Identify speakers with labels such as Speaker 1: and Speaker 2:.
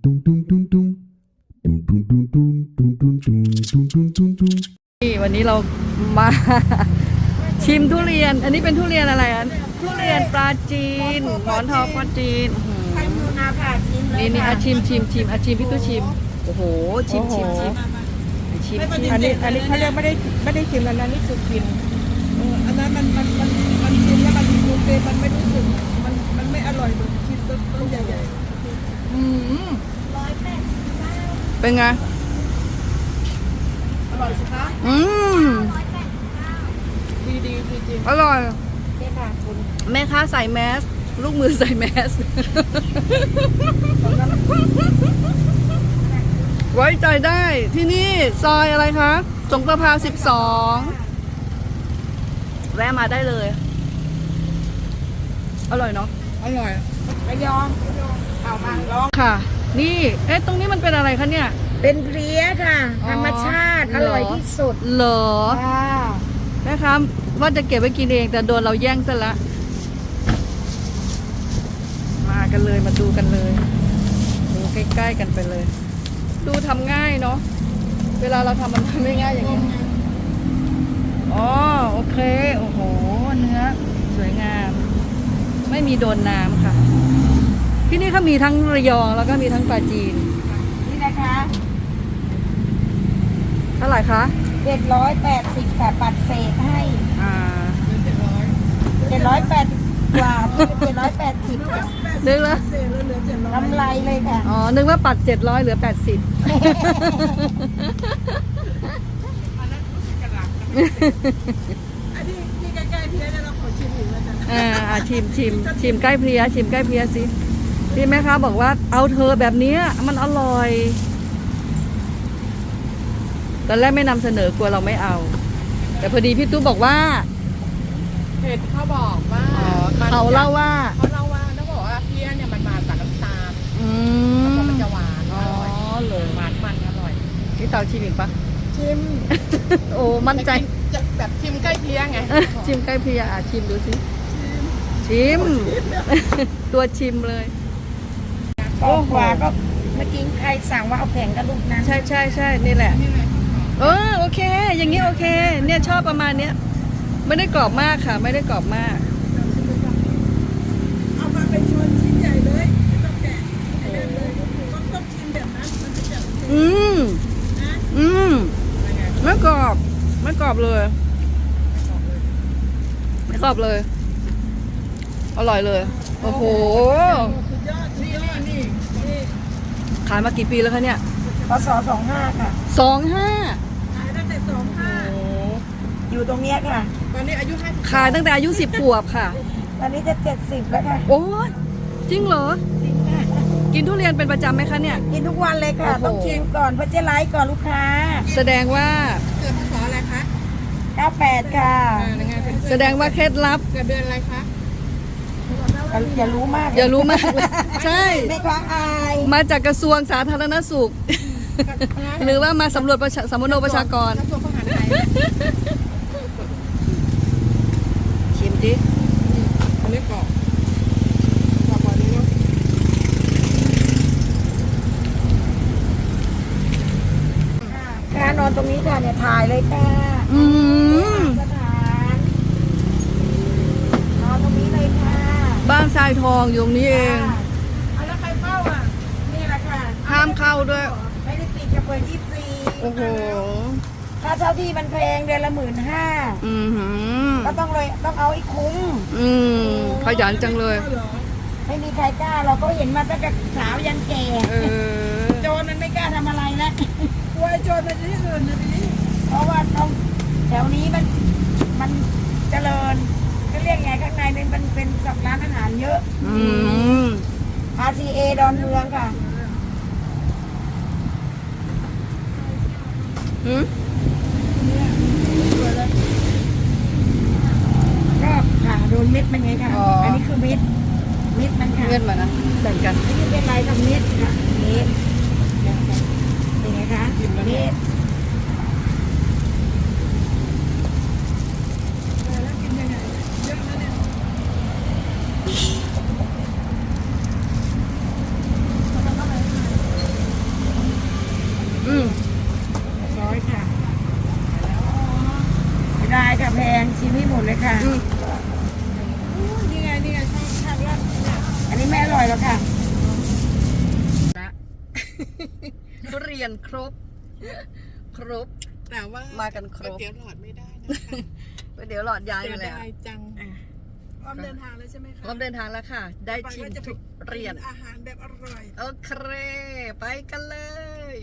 Speaker 1: นี่วันนี้เรามาชิมทุเรียน อันนี้เป็นทุเรียนอะไรอ่ะทุเรียนปลาจีนหมอนทองปลาจีนนี่อาชิมอาชิมพี่ตู้ชิมโอ้โหชิม
Speaker 2: อันนี้เขาเรียกไม่ได้ชิมอันนั้นนี่คือกินอันนั้นมันกินแล้วมันโอเคมันไม่รู้สึกมันไม่อร่อยเหมือนกินต้นใหญ่
Speaker 1: เป็นไง
Speaker 2: อร่อยสิคะดีจริง
Speaker 1: อร่อย
Speaker 2: นี่ค่ะคุณ
Speaker 1: แม่ค้าใส่แมสลูกมือใส่แมสไว้ใจได้ที่นี่ซอยอะไรคะสงประภา12แวะมาได้เลยอร่อยเนาะ
Speaker 2: อร่อยระยองเอามาลอง
Speaker 1: ค่ะนี่ตรงนี้มันเป็นอะไรคะเนี่ย
Speaker 2: เป็นเพลี้ยค่ะธรรมชาติอร่อยที่สุด
Speaker 1: เหรอ
Speaker 2: ค่ะ
Speaker 1: แม่ค้าว่าจะเก็บไว้กินเองแต่โดนเราแย่งซะละมากันเลยมาดูกันเลยดูใกล้ๆกันไปเลยดูทำง่ายเนาะเวลาเราทำมันทำไม่ง่ายอย่างนี้อ๋อโอเคโอ้โหเนื้อสวยงามไม่มีโดนน้ำค่ะที่นี่เขามีทั้งระยองแล้วก็มีทั้งปลาจีน
Speaker 2: นี่นะคะ
Speaker 1: เท่าไหร่คะ
Speaker 2: 780ค่ะปัดเศษให้780กว่า780ค่ะ
Speaker 1: นึกแล้ว
Speaker 2: กำไรเลยค่ะ
Speaker 1: อ๋อนึกว่าปัด700เหลือ80
Speaker 2: อันนี้ที่ใกล้ๆเพี้ยเนี่ยเราขอชิมอีกแล้วกัน
Speaker 1: ชิมใกล้เพลียชิมใกล้เพลียสิพี่แม่ค้าบอกว่าเอาเธอแบบนี้มันอร่อยตอนแรกไม่นำเสนอกลัวเราไม่เอาแต่พอดีพี่ตู้บอกว่า
Speaker 3: เพจเขาบอกว่า
Speaker 1: เขาเล่าว่า
Speaker 3: ต้องบอกว่าเพี้ยเนี่ยมันมากับน้ำตาลมันจะหวานอร่อยเลยหวานมันอร่อย
Speaker 1: นี่เตาชิมอีกปะ
Speaker 2: ชิม
Speaker 1: โอ้มั่นใจ
Speaker 3: จะแบบชิมใกล้เพี้ยไง
Speaker 1: ชิมใกล้เพลียชิมดูสิชิมตัวชิมเลย
Speaker 2: โอ้โหก็เมื่อกี้ใครสั่งว่าเอาแผงกระลูกนั้น
Speaker 1: ใช่นี่แหละโอเคอย่างนี้โอเคเนี่ยชอบประมาณเนี้ยไม่ได้กรอบมากค่ะไม่ได้กรอบมาก
Speaker 2: เอามาเป็นชวนชิ้นใหญ่เลยไม่ต้องแกะให้เล่นเลยต้องชิมแบบนั้นมันจะแบบ
Speaker 1: ไม่กรอบเลยไม่กรอบเลยอร่อยเลยโอ้โห
Speaker 2: สุดยอดนี่
Speaker 1: ขายมากี่ปีแล้วคะเนี่ย
Speaker 2: พศ25ค่ะ
Speaker 1: 25
Speaker 2: ขายตั้งแต่25อยู่ตรงเนี้ยค่ะตอนนี้อายุ
Speaker 1: ขายตั้งแต่อายุ10 ขวบค่ะ
Speaker 2: ตอนนี้จะ70แล้วค่ะ
Speaker 1: โอ้จริงเหรอจริงค่ะกินทุเรียนเป็นประจำไหมคะเนี่ย
Speaker 2: กินทุกวันเลยค่ะต้องชิมก่อนเพราะจะไลฟ์ก่อนลูกค้า
Speaker 1: แสดงว่า
Speaker 3: เกิดพศอะไรคะ
Speaker 2: 98ค่ะ
Speaker 1: แสดงว่าเคล็ดลับ
Speaker 3: เกิดเดือนอะไรคะ
Speaker 2: อย่ารู้มาก
Speaker 1: ใช่
Speaker 2: ไม่คว้าอาย
Speaker 1: มาจากกระทรวงสาธารณสุขหรือว่ามาสำรวจสำรวจประชากรชิมดิ
Speaker 3: อันนี้กรอบกว่านี้เนาะ
Speaker 2: ค่ะนอนตรงนี้ค่ะเนี่ยถ่ายเลยค่ะสถานนอนตรงนี้เลยค่ะ
Speaker 1: บ้านทรายทองอยู่ตรงนี้เอง
Speaker 2: แล้วใครเฝ้าอ่ะนี่แหละค่ะ
Speaker 1: ห้ามเข้าด้วย
Speaker 2: ไม่ได้ปิดจะเปิด24
Speaker 1: โอ้โห
Speaker 2: ค่าเช่าที่มันแพงเดือนละ15,000ก็ต้องเอาให้คุ้ม
Speaker 1: ขยันจังเลย
Speaker 2: ไม่มีใครกล้าเราก็เห็นมาตั้งแต่สาวยันแก่โจรมันไม่กล้าทำอะไรแล้วกลัวโจรมันจะที่อื่นนะทีนี้เพราะว่าต้องแถวนี้มันเจริญก็เรียกไงข้างในมันเป็นร้านอาหารเยอะRCA ดอนเมืองค่ะก็ค่ะโดนเม็ดมันไงค่ะอันนี้คือเม็ดมันค่ะ
Speaker 1: เม็ดมันนะแบ่งกัน
Speaker 2: นี่เป็นลายทำเม็ดค่ะเม็ดเป็นไงคะเม็ด
Speaker 1: รียนครบ ครบ
Speaker 3: แต่ว่า
Speaker 1: มากันครบ
Speaker 3: ก๋วยเตี๋ยวหลอดไม่ได้นะคะ
Speaker 1: เดี๋ยวหลอดย้าย
Speaker 3: เสี
Speaker 1: ไป
Speaker 3: ย
Speaker 1: แล้ว
Speaker 3: ดายจังพร้อมเดินทางแล้วใช่ไหมคะ
Speaker 1: พร้อมเดินทางแล้วค่ะ ได้ชิมทุเรียน
Speaker 3: อาหารแบบอร่อย
Speaker 1: โอเค ไปกันเลย